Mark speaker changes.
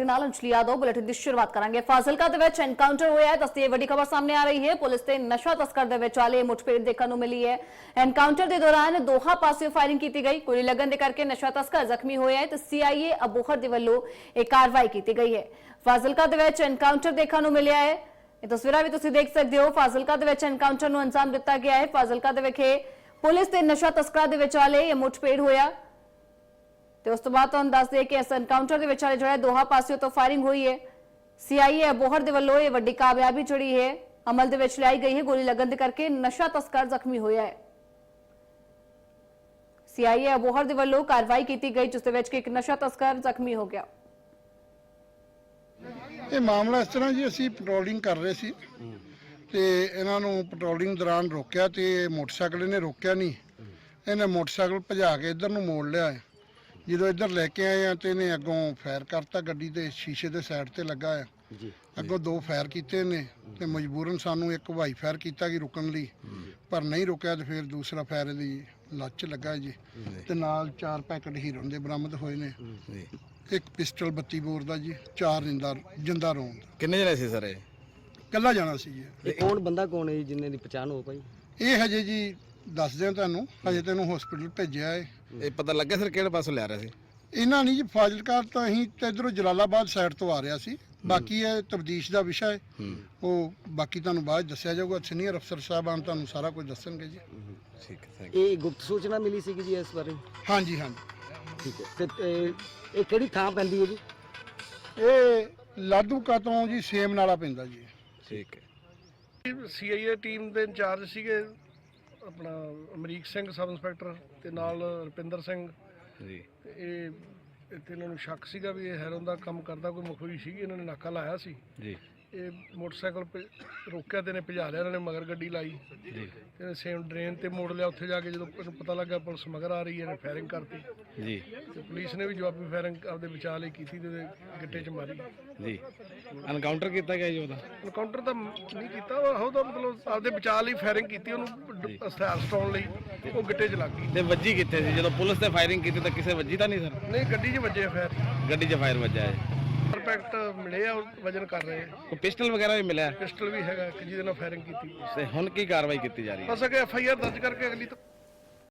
Speaker 1: ਸਾਡੇ ਨਾਲ ਅੰਜਲੀ यादव बुलेटिन की शुरुआत करांगे। फाजिलका दे विच एनकाउंटर होया है, दसदी वड्डी खबर सामने आ रही है। पुलिस ते नशा तस्कर दे विचाले मुठभेड़ देखने को मिली है। एनकाउंटर के दौरान दोहा पासियों फायरिंग की गई। गोली लगन के करके नशा तस्कर जख्मी होया है तो सीआईए अबोहर दे वल्लों एक कार्रवाई की गई है। फाजिलका दे विच एनकाउंटर देखने को मिलिया है। ये तस्वीरां भी तुसीं देख सकते हो। फाजिलका दे विच एनकाउंटर नूं अंजाम दिता गया है। फाजिलका दे विखे पुलिस ते नशा तस्करां दे विचाले ये मुठभेड़ होया तो उस तो बाद तुहानूं दस दे कि इस एनकाउंटर के विचाले जो है दोहा पासियों तो फायरिंग हुई है। सीआईए अबोहर दे वल्लों ये वड्डी कामयाबी जिहड़ी है अमल दे विच लाई गई है। गोली लगन दे करके नशा तस्कर जख्मी होया है। सीआईए अबोहर दे वल्लों कार्रवाई की गई जिस दे विच कि एक नशा तस्कर जख्मी हो गया।
Speaker 2: ਇਹ ਮਾਮਲਾ ਇਸ ਤਰ੍ਹਾਂ ਜੀ ਅਸੀਂ ਪੈਟਰੋਲਿੰਗ ਕਰ ਰਹੇ ਸੀ ਤੇ ਇਹਨਾਂ ਨੂੰ ਪੈਟਰੋਲਿੰਗ ਦੌਰਾਨ ਰੋਕਿਆ ਤੇ ਮੋਟਰਸਾਈਕਲ ਇਹਨੇ ਰੋਕਿਆ ਨਹੀਂ। ਇਹਨੇ ਮੋਟਰਸਾਈਕਲ ਭਜਾ ਕੇ ਇੱਧਰ ਨੂੰ ਮੋੜ ਲਿਆ। ਜਦੋਂ ਇੱਧਰ ਲੈ ਕੇ ਆਏ ਆ ਤੇ ਇਹਨੇ ਅੱਗੋਂ ਫਾਇਰ ਕਰਤਾ। ਗੱਡੀ ਦੇ ਸ਼ੀਸ਼ੇ ਦੇ ਸਾਈਡ ਤੇ ਲੱਗਾ ਆ ਜੀ। ਅੱਗੋਂ ਦੋ ਫਾਇਰ ਕੀਤੇ ਨੇ ਤੇ ਮਜਬੂਰਨ ਸਾਨੂੰ ਇੱਕ ਹਵਾਈ ਫਾਇਰ ਕੀਤਾ ਕਿ ਰੁਕਣ ਲਈ, ਪਰ ਨਹੀਂ ਰੁਕਿਆ ਤੇ ਫਿਰ ਦੂਸਰਾ ਫਾਇਰ ਇਹਦੀ ਲੱਤ 'ਚ ਲੱਗਾ ਜੀ। ਤੇ ਨਾਲ 4 ਪੈਕਟ ਹੀਰੋਇਨ ਦੇ ਬਰਾਮਦ ਹੋਏ ਨੇ। ਇੱਕ ਪਿਸਟਲ 32 ਬੋਰ ਦਾ ਜੀ, 4 ਜਿੰਦਾ ਰੌਂਦ।
Speaker 3: ਕਿੰਨੇ ਜਣੇ ਸੀ ਸਰ?
Speaker 2: ਕੱਲਾ ਜਾਣਾ ਸੀ ਜੀ।
Speaker 4: ਇਹ ਕੌਣ ਬੰਦਾ ਕੌਣ ਹੈ ਜੀ ਜਿੰਨੇ ਦੀ ਪਛਾਣ ਹੋ ਪਾਈ?
Speaker 2: ਇਹ ਹਜੇ ਜੀ ਦੱਸਦੇ ਆ ਤੁਹਾਨੂੰ, ਹਜੇ ਤੈਨੂੰ ਹਸਪੀਟਲ ਭੇਜਿਆ ਏ।
Speaker 3: ਇਹ ਪਤਾ ਲੱਗਾ ਸਰ ਕਿਹੜੇ ਪਾਸੋਂ ਲਿਆ ਰਿਹਾ ਸੀ?
Speaker 2: ਇਹਨਾਂ ਨਹੀਂ ਜੀ ਫਾਜ਼ਿਲਕਾ ਤੋਂ ਅਸੀਂ ਤੇ ਇਧਰੋਂ ਜਲਾਲਾਬਾਦ ਸਾਈਡ ਤੋਂ ਆ ਰਿਹਾ ਸੀ। ਬਾਕੀ ਇਹ ਤਬਦੀਸ਼ ਦਾ ਵਿਸ਼ਾ ਹੈ, ਉਹ ਬਾਕੀ ਤੁਹਾਨੂੰ ਬਾਅਦ ਦੱਸਿਆ ਜਾਊਗਾ। ਸੀਨੀਅਰ ਅਫਸਰ ਸਾਹਿਬਾਨ ਤੁਹਾਨੂੰ ਸਾਰਾ ਕੁਝ ਦੱਸਣਗੇ ਜੀ।
Speaker 3: ਠੀਕ ਹੈ।
Speaker 4: ਇਹ ਗੁਪਤ ਸੂਚਨਾ ਮਿਲੀ ਸੀ ਜੀ ਇਸ ਬਾਰੇ?
Speaker 2: ਹਾਂਜੀ ਹਾਂਜੀ।
Speaker 4: ਠੀਕ ਹੈ। ਤੇ ਇਹ ਕਿਹੜੀ ਥਾਂ ਪੈਂਦੀ ਹੈ ਜੀ?
Speaker 2: ਇਹ ਲਾਧੂਕਾ ਤੋਂ ਜੀ ਸੇਮ ਨਾਲਾ ਪੈਂਦਾ ਜੀ।
Speaker 3: ਠੀਕ ਹੈ।
Speaker 5: ਸੀਆਈਏ ਟੀਮ ਦੇ ਇੰਚਾਰਜ ਸੀਗੇ ਆਪਣਾ ਅਮਰੀਕ ਸਿੰਘ ਸਬ ਇੰਸਪੈਕਟਰ ਤੇ ਨਾਲ ਰੁਪਿੰਦਰ ਸਿੰਘ
Speaker 3: ਜੀ।
Speaker 5: ਇਹ ਇੱਥੇ ਇਹਨਾਂ ਨੂੰ ਸ਼ੱਕ ਸੀਗਾ ਵੀ ਇਹ ਹੈਰੋਨ ਦਾ ਕੰਮ ਕਰਦਾ ਕੋਈ ਮਖੌਈ ਸੀਗੀ। ਇਹਨਾਂ ਨੇ ਨਾਕਾ ਲਾਇਆ ਸੀ
Speaker 3: ਜੀ।
Speaker 5: ਇਹ ਮੋਟਰਸਾਈਕਲ ਰੋਕਿਆ ਤੇ ਨੇ ਭਜਾ ਲਿਆ। ਇਹਨਾਂ ਨੇ ਮਗਰ ਗੱਡੀ ਲਾਈ
Speaker 3: ਜੀ।
Speaker 5: ਤੇ ਸੇਮ ਡਰੇਨ ਤੇ ਮੋੜ ਲਿਆ। ਉੱਥੇ ਜਾ ਕੇ ਜਦੋਂ ਇਹਨੂੰ ਪਤਾ ਲੱਗਾ ਪੁਲਿਸ ਮਗਰ ਆ ਰਹੀ ਹੈ, ਇਹਨੇ ਫਾਇਰਿੰਗ ਕਰਤੀ
Speaker 3: ਜੀ।
Speaker 5: ਤੇ ਪੁਲਿਸ ਨੇ ਵੀ ਜਵਾਬੀ ਫਾਇਰਿੰਗ ਆਪਦੇ ਬਚਾਅ ਲਈ ਕੀਤੀ ਤੇ ਉਹਦੇ ਗਿੱਟੇ 'ਚ ਮਾਰੀ
Speaker 3: ਜੀ। ਐਨਕਾਊਂਟਰ ਕੀਤਾ ਗਿਆ ਜੀ ਉਹਦਾ?
Speaker 5: ਐਨਕਾਊਂਟਰ ਤਾਂ ਨਹੀਂ ਕੀਤਾ, ਉਹਦਾ ਮਤਲਬ ਆਪਦੇ ਬਚਾਅ ਲਈ ਫਾਇਰਿੰਗ ਕੀਤੀ। ਉਹਨੂੰ ਹਥਿਆਰ ਸਟਾਉਣ ਲਈ ਉਹ ਗਿੱਟੇ 'ਚ ਲੱਗ ਗਈ।
Speaker 3: ਤੇ ਵੱਜੀ ਕਿੱਥੇ ਸੀ ਜਦੋਂ ਪੁਲਿਸ ਨੇ ਫਾਇਰਿੰਗ ਕੀਤੀ? ਤਾਂ ਕਿਸੇ ਵੱਜੀ ਤਾਂ ਨਹੀਂ ਸਰ?
Speaker 5: ਨਹੀਂ, ਗੱਡੀ 'ਚ ਵੱਜੇ ਫਾਇਰ।
Speaker 3: ਗੱਡੀ 'ਚ ਫਾਇਰ ਵੱਜਾ ਹੈ।
Speaker 5: ਪਰਫੈਕਟ ਮਿਲੇ ਆ, ਉਹ ਵਜਨ ਕਰ ਰਹੇ ਆ।
Speaker 3: ਕੋਈ ਪਿਸਟਲ ਵਗੈਰਾ ਵੀ ਮਿਲਿਆ?
Speaker 5: ਪਿਸਟਲ ਵੀ ਹੈਗਾ ਜਿਹਦੇ ਨਾਲ ਫਾਇਰਿੰਗ ਕੀਤੀ।
Speaker 3: ਤੇ ਹੁਣ ਕੀ ਕਾਰਵਾਈ ਕੀਤੀ ਜਾ ਰਹੀ ਹੈ?
Speaker 5: ਬਸ ਅੱਗੇ ਐਫਆਈਆਰ ਦਰਜ ਕਰਕੇ ਅਗਲੀ